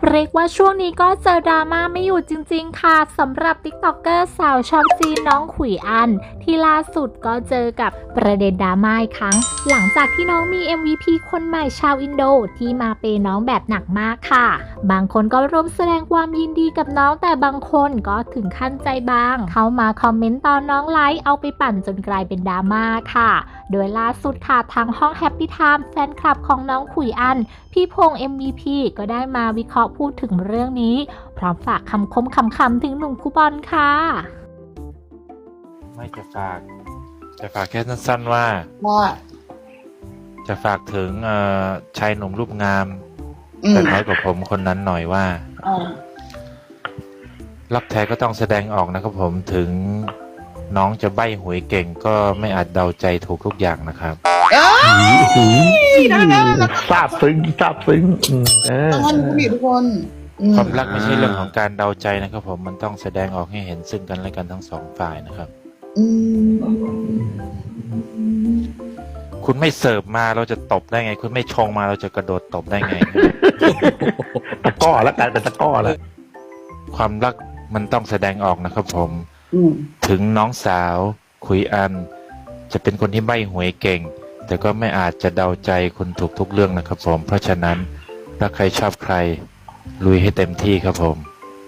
เรียกว่าช่วงนี้ก็เจอดราม่าไม่อยู่จริงๆค่ะสำหรับติ๊กต็อกเกอร์สาวชอบซีนน้องขุยอันที่ล่าสุดก็เจอกับประเด็นดราม่าอีกครั้งหลังจากที่น้องมี MVP คนใหม่ชาวอินโดที่มาเปย์น้องแบบหนักมากค่ะบางคนก็ร่วมแสดงความยินดีกับน้องแต่บางคนก็ถึงขั้นใจบางเข้ามาคอมเมนต์ตอนน้องไลฟ์เอาไปปั่นจนกลายเป็นดราม่าค่ะโดยล่าสุดค่ะทางห้องแฮปปี้ไทม์แฟนคลับของน้องขุยอันพี่พงษ์ MVP ก็ได้มาวิเคราะห์พูดถึงเรื่องนี้พร้อมฝากคำคมคำถึงหนุ่มคูบอลค่ะไม่จะฝากแค่สั้นๆว่าจะฝากถึงชายหนุ่มรูปงามแต่น้อยกว่าผมคนนั้นหน่อยว่ารักแท้ก็ต้องแสดงออกนะครับผมถึงน้องจะใบ้หวยเก่งก็ไม่อาจเดาใจถูกทุกอย่างนะครับซาบซึ้งท่านผู้มีทุกคนความรักไม่ใช่เรื่องของการเดาใจนะครับผมมันต้องแสดงออกให้เห็นซึ่งกันและกันทั้งสองฝ่ายนะครับคุณไม่เสิร์ฟมาเราจะตบได้ไงคุณไม่ชงมาเราจะกระโดดตบได้ไงตะก้อแล้วกลายเป็นตะก้อแล้วความรักมันต้องแสดงออกนะครับผมถึงน้องสาวขุยอันจะเป็นคนที่ใบ้หวยเก่งแต่ก็ไม่อาจจะเดาใจคุณถูกทุกเรื่องนะครับผมเพราะฉะนั้นถ้าใครชอบใครลุยให้เต็มที่ครับผม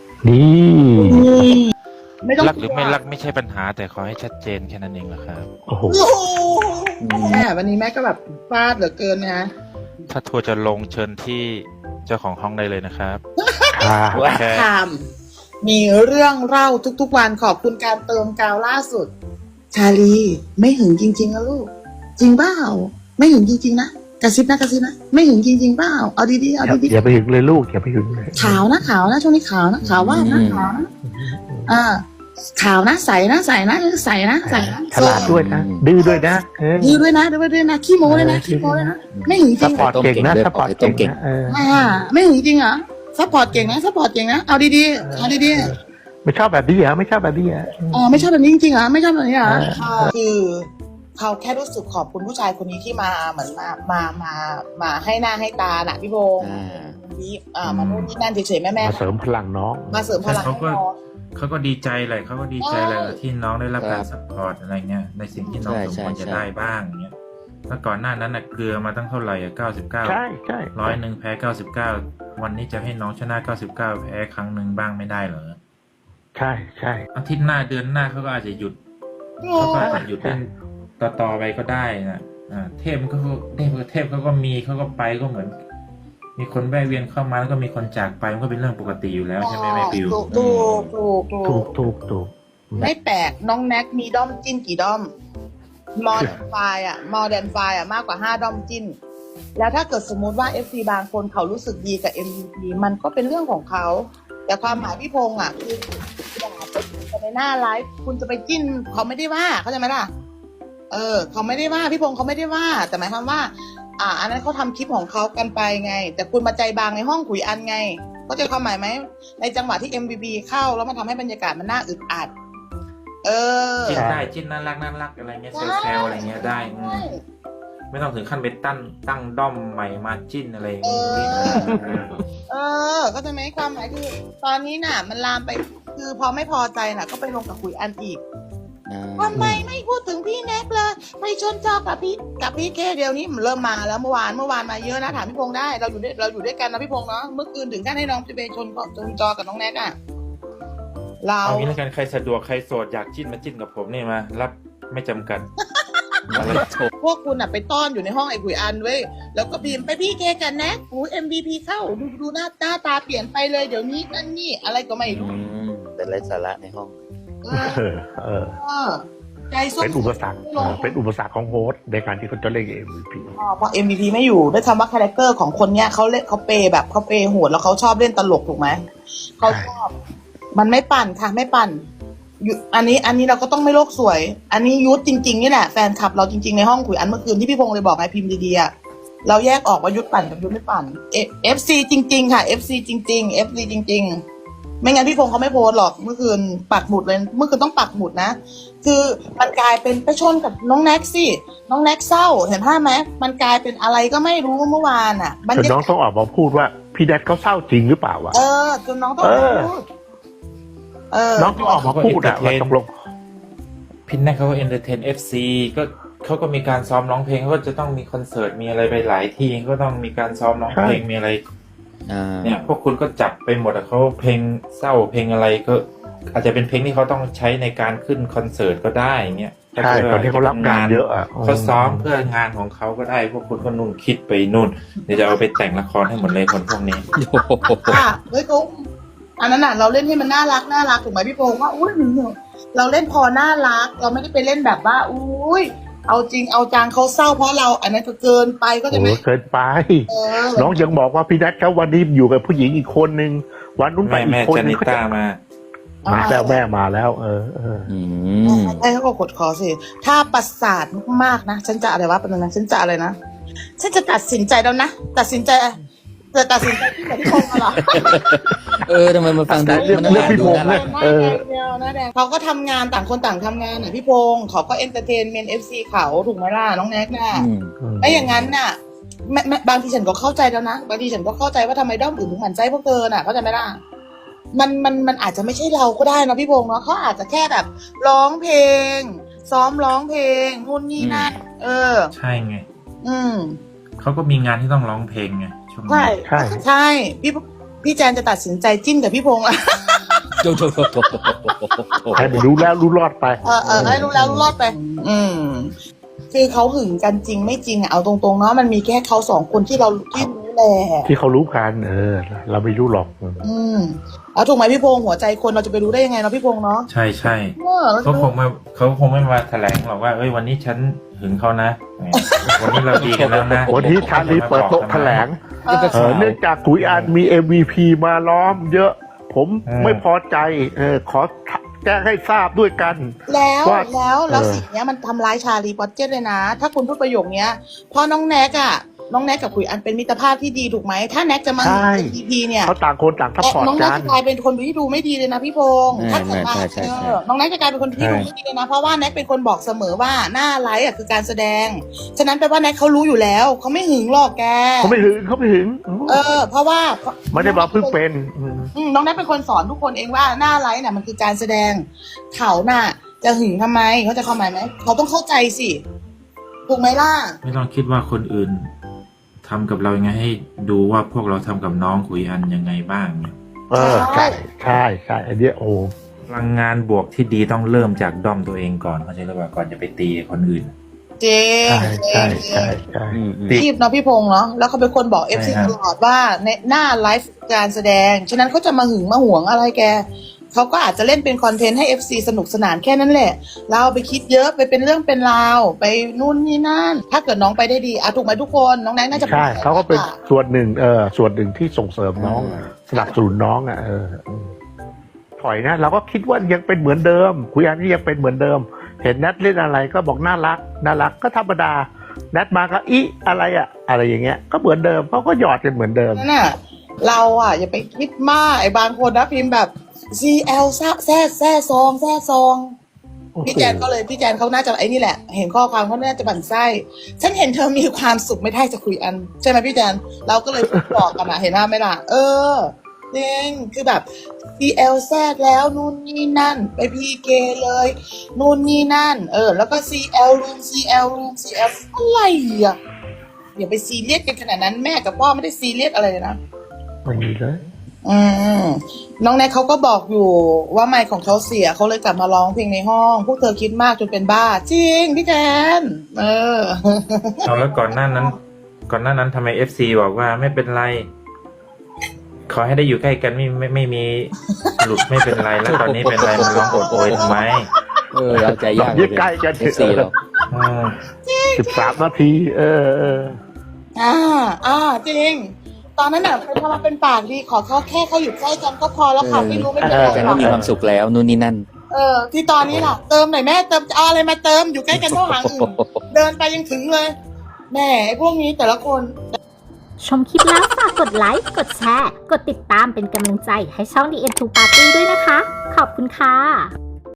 นี่รักหรือไม่รักไม่ใช่ปัญหาแต่ขอให้ชัดเจนแค่นั้นเองนะครับโอ้โหแม่วันนี้แม่ก็แบบฟาดเหลือเกินนะถ้าทัวร์จะลงเชิญที่เจ้าของห้องได้เลยนะครับถามมีเรื่องเล่าทุกๆวันขอบคุณการเติมกาวล่าสุดชาลีไม่หึงจริงๆนะลูกจริงเปล่าไม่หึงจริงๆนะกระซิบนะไม่หึงจริงๆเปล่าเอาดีๆอย่าไปหึงเลยลูกอย่าไปหึงเลยขาวนะช่วงนี้ขาวนะขาวว่านะขาวนะขาวนะใสนะฉลาดด้วยนะดื้อด้วยนะดื้อด้วยนะขี้โม้เลยนะไม่หึงจริงซัพพอร์ตเก่งนะซัพพอร์ตเก่งไม่หึงจริงเหรอซัพพอร์ตเก่งนะเอาดีๆไม่ชอบแบบนี้เหรอไม่ชอบแบบนี้เหรอไม่ชอบแบบนี้จริงๆเหรอไม่ชอบแบบนี้เหรอคือเขาแค่รู้สึกขอบคุณผู้ชายคนนี้ที่มาเหมือนมาให้หน้าให้ตาน่ะพี่โบมาโน่นนี่นั่นเฉยๆแม่มาเสริมพลังน้องมาเสริมพลังเขาก็ดีใจเลยที่น้องได้รับการซัพพอร์ตอะไรเงี้ยในสิ่งที่น้องสมควรจะได้บ้างเงี้ยเมื่อก่อนหน้านั้นน่ะเกลือมาตั้งเท่าไหร่99ใช่100แพ้99วันนี้จะให้น้องชนะ99แพ้ครั้งหนึ่งบ้างไม่ได้เหรอใช่อาทิตย์หน้าเดือนหน้าเขาก็อาจจะหยุดเล่นต่อไปก็ได้นะเทพเขาก็มีเขาก็ไปก็เหมือนมีคนแวะเวียนเข้ามาแล้วก็มีคนจากไปมันก็เป็นเรื่องปกติอยู่แล้วใช่ไหมแม่ปิวถูกไม่แปลกน้องแน็กมีด้อมจิ้นกี่ด้อมมอร์แดนไฟมากกว่า5ด้อมจิ้นแล้วถ้าเกิดสมมุติว่า FC บางคนเขารู้สึกดีกับ MVP มันก็เป็นเรื่องของเขาแต่ความหมายพี่พงษ์คืออย่าไปในหน้าไลฟ์คุณจะไปจิ้นเขาไม่ได้ว่าเข้าใจไหมล่ะเขาไม่ได้ว่าพี่พงษ์เขาไม่ได้ว่าแต่หมายความว่าอันนั้นเขาทำคลิปของเขากันไปไงแต่คุณมาใจบางในห้องขุยอันไงเข้าใจความหมายไหมในจังหวะที่ MVP เข้าแล้วมันทำให้บรรยากาศมันน่าอึดอัดจิ้นได้จิ้นน่ารักอะไรเงี้ยแซวอะไรเงี้ยได้ไม่ต้องถึงขั้นไปตั้งด้อมใหม่มาจิ้นอะไรก็จะไหมความหมายคือตอนนี้น่ะมันลามไปคือพอไม่พอใจน่ะก็ไปลงกับขุยอันอีกทำไมไม่พูดถึงพี่แน็กเลยไปชนจอกับพี่เคเดียวนี้มันเริ่มมาแล้วเมื่อวานมาเยอะนะถามพี่พงษ์ได้เราอยู่ด้วยกันนะพี่พงษ์เนาะเมื่อคืนถึงขั้นให้น้องไปชนจอกับน้องแน็กเราเอางี้แล้วกันใครสะดวกใครโสดอยากจิ้นมาจิ้นกับผมนี่มารับไม่จำกัดพวกคุณไปต้อนอยู่ในห้องไอ้ขุยอันเว้ยแล้วก็พิมพ์ไปพี่เคกันแน็กMVP เข้าดูหน้าตาเปลี่ยนไปเลยเดี๋ยวนี้นั่นนี่อะไรก็ไม่รู้เป็นไร้สาระในห้องเป็นอุปสรรคของโฮสต์ในการที่เขาจะเล่น MVP เพราะ MVP ไม่อยู่ด้วยคำว่าคาแรคเตอร์ของคนเนี้ยเขาเล่นเขาเปย์แบบเขาเปย์โหดแล้วเขาชอบเล่นตลกถูกไหมเขาชอบมันไม่ปั่นค่ะไม่ปั่นอันนี้เราก็ต้องไม่โลกสวยอันนี้ยุทธจริงๆนี่แหละแฟนคลับเราจริงๆในห้องขุยอันเมื่อคืนที่พี่พงษ์เลยบอกไงพิมพ์ดีๆเราแยกออกว่ายุทธปั่นกับยุทธไม่ปั่น FC จริงๆค่ะ FC จริงๆไม่งั้นพี่พงษ์เขาไม่โพสหรอกเมื่อคืนปักหมุดเลยเมื่อคืนต้องปักหมุดนะคือมันกลายเป็นไปชนกับน้องแน็กสิน้องแน็กเศร้าเห็นภาพไหมมันกลายเป็นอะไรก็ไม่รู้เมื่อวานอ่ะบรรจนยาน้องกาศต้องออกมาพูดว่าพี่แดดเขาเศร้าจริงหรือเปล่าวะจนน้องต้องพูดน้องต้องออกมาพูดอะว่าตกลงพินแน่เขาก็เอนเตอร์เทน FC ก็เขาก็มีการซ้อมร้องเพลงเขาก็จะต้องมีคอนเสิร์ตมีอะไรไปหลายที่ก็ต้องมีการซ้อมร้องเพลงมีอะไรเนี่ยพวกคุณก็จับไปหมดอะเขาเพลงเศร้าเพลงอะไรก็อาจจะเป็นเพลงที่เขาต้องใช้ในการขึ้นคอนเสิร์ตก็ได้เงี้ยใช่ตอนที่เขารับงานเยอะอะเขาซ้อมเพื่องานของเขาก็ได้พวกคุณก็นุ่นคิดไปนู่นเดี๋ยวจะเอาไปแต่งละครให้หมดเลยคนพวกนี้เฮ้ยเขาอันนั้นน่ะเราเล่นให้มันน่ารักถูกไหมพี่พงษ์ว่าอุ้ยเราเล่นพอน่ารักเราไม่ได้ไปเล่นแบบว่าอุ้ยเอาจริงเอาจังเขาเศร้าเพราะเราอันนั้นก็เกินไปก็จะไม่เกินไปน้องยังบอกว่าพี่แดดเขาวันนี้อยู่กับผู้หญิงอีกคนนึงวันนู้นไปอีแม่กคนจานึนิงต้ามาแล้วแม่มาแล้วไอ้เขาก็กดคอสิถ้าประสาทมากๆนะฉันจะอะไรวะเป็นนะฉันจะอะไรนะฉันจะตัดสินใจแล้วนะตัดสินใจที่ไหนที่พงษ์มาหรอทำไมมันฟังดูเรื่องพี่พงษ์เนี่ยหน้าแดงเขาก็ทำงานต่างคนต่างทำงานน่ะพี่พงษ์เขาก็เอนเตอร์เทนเมนต์ FC เขาถูกไหมล่ะน้องแน็กน่ะไม่อย่างนั้นน่ะบางทีฉันก็เข้าใจแล้วนะบางทีฉันก็เข้าใจว่าทำไมด้อมอื่นถึงหมั่นใจพวกเธอน่ะเข้าใจไหมล่ะมันอาจจะไม่ใช่เราก็ได้นะพี่พงษ์เนาะเขาอาจจะแค่แบบร้องเพลงซ้อมร้องเพลงนู่นนี่นั่นใช่ไงเขาก็มีงานที่ต้องร้องเพลงไงช่วงนี้ใช่พี่แจนจะตัดสินใจจิ้นกับพี่พงษ์ให้มันรู้แล้วรู้รอดไปให้รู้แล้วรู้รอดไปคือเขาหึงกันจริงไม่จริงเอาตรงๆเนาะมันมีแค่เขาสองคนที่เราที่รู้แหละที่เขารู้กันเราไม่รู้หรอกเอาถูกไหมพี่พงษ์หัวใจคนเราจะไปรู้ได้ยังไงเนาะพี่พงษ์เนาะใช่เขาคงไม่มาแถลงหรอกว่าวันนี้ฉันหึงเขานะวันนี้เราดีกันแล้วนะวันนี้ชาลีเปิดโต๊ะแถลงเนื่องจากขุยอันมี MVP มาล้อมเยอะผมไม่พอใจขอแจ้งให้ทราบด้วยกันแล้วสิ่งนี้มันทำร้ายชาลีปอตเจตเลยนะถ้าคุณพูดประโยคนี้เพราะน้องแน็กกับขุยอันเป็นมิตรภาพที่ดีถูกไหมถ้าแน็กจะมาEP เนี่ยเขาต่างคนต่างซัพพอร์ตกันน้องแน็กจะกลายเป็นคนที่ดูไม่ดีเลยนะพี่พงษ์ถ้าเกิดว่าน้องแน็กจะกลายเป็นคนที่ดูไม่ดีเลยนะเพราะว่าแน็กเป็นคนบอกเสมอว่าหน้าไลฟ์คือการแสดงฉะนั้นแปลว่าแน็กเขารู้อยู่แล้วเขาไม่หึงหรอกแกเขาไม่หึงเพราะว่าไม่ได้บอกเพิ่งเป็นน้องแน็กเป็นคนสอนทุกคนเองว่าหน้าไลฟ์เนี่ยมันคือการแสดงเขาน่ะจะหึงทำไมเขาจะเข้าใจไหมเขาต้องเข้าใจสิถูกไหมล่ะไม่ต้องคิดว่าคนอื่นทำกับเรายังไงให้ดูว่าพวกเราทำกับน้องขุยอันยังไงบ้างเนี่ยใช่ไอเดียพลังงานบวกที่ดีต้องเริ่มจากด้อมตัวเองก่อนเข้าใจหรือเปล่าก่อนจะไปตีคนอื่นใช่รีบเนาะพี่พงษ์เนาะแล้วเขาเป็นคนบอก FC ตลอดว่าในหน้าไลฟ์การแสดงฉะนั้นเขาจะมาหึงมาหวงอะไรแกเขาก็อาจจะเล่นเป็นคอนเทนต์ให้ FC สนุกสนานแค่นั้นแหละเราไปคิดเยอะไปเป็นเรื่องเป็นราวไปนู่นนี่นั่นถ้าเกิดน้องไปได้ดีถูกไหมทุกคนน้องแน็กน่าจะใช่เขาก็เป็นส่วนหนึ่งส่วนหนึ่งที่ส่งเสริมน้องสนับสนุนน้องถอยนะเราก็คิดว่ายังเป็นเหมือนเดิมคุยอันนี้ยังเป็นเหมือนเดิมเห็นนัดเล่นอะไรก็บอกน่ารักก็ธรรมดานัดมาก็อะไรอย่างเงี้ยก็เหมือนเดิมเขาก็หยอดกันเหมือนเดิมนั่นน่ะเราอย่าไปคิดมากไอ้บางคนนะพิมพ์แบบ CL แซ่ซองพี่แจนเขาน่าจะไอ้นี่แหละเห็นข้อความเขาน่าจะบั่นไส้ฉันเห็นเธอมีความสุขไม่ได้จะคุยอันใช่ไหมพี่แจนเราก็เลยบอกกันเห็นหน้าไหมล่ะจริงคือแบบ CL แซ่แล้วนู่นนี่นั่นไป PK เลยนู่นนี่นั่นแล้วก็ CL รูม อะไรอย่าไปซีเรียสกันขนาดนั้นแม่กับพ่อไม่ได้ซีเรียสอะไรเลยนะไม่มีเลยน้องแน็กเขาก็บอกอยู่ว่าไมค์ของเขาเสียเขาเลยกลับมาร้องเพลงในห้องพวกเธอคิดมากจนเป็นบ้าจริงพี่แทนแล้วก่อนหน้านั้นทำไม FC บอกว่าไม่เป็นไรขอให้ได้อยู่ใกล้กันไม่มีหลุดไม่เป็นไรแล้วตอนนี้เป็นไรมันร้องโอดโอยทำไมเราใจยากเลยใกล้กัน FC เรา 13 นาทีจริงตอนนั้นพอมาเป็นปากดีขอเขาแค่เขาอยู่ใกล้กันก็พอแล้วค่ะไม่รู้ไม่เป็นไรกันก็มีความสุขแล้วนู่นนี่นั่นที่ตอนนี้ล่ะเติมหน่อยแม่เติมเอาอะไรมาเติมอยู่ใกล้กันเท่าหางอื่นเดินไปยังถึงเลยแม่พวกนี้แต่ละคนชมคลิปแล้วฝากกดไลค์กดแชร์กดติดตามเป็นกำลังใจให้ช่อง The End to Party ด้วยนะคะขอบคุณค่ะ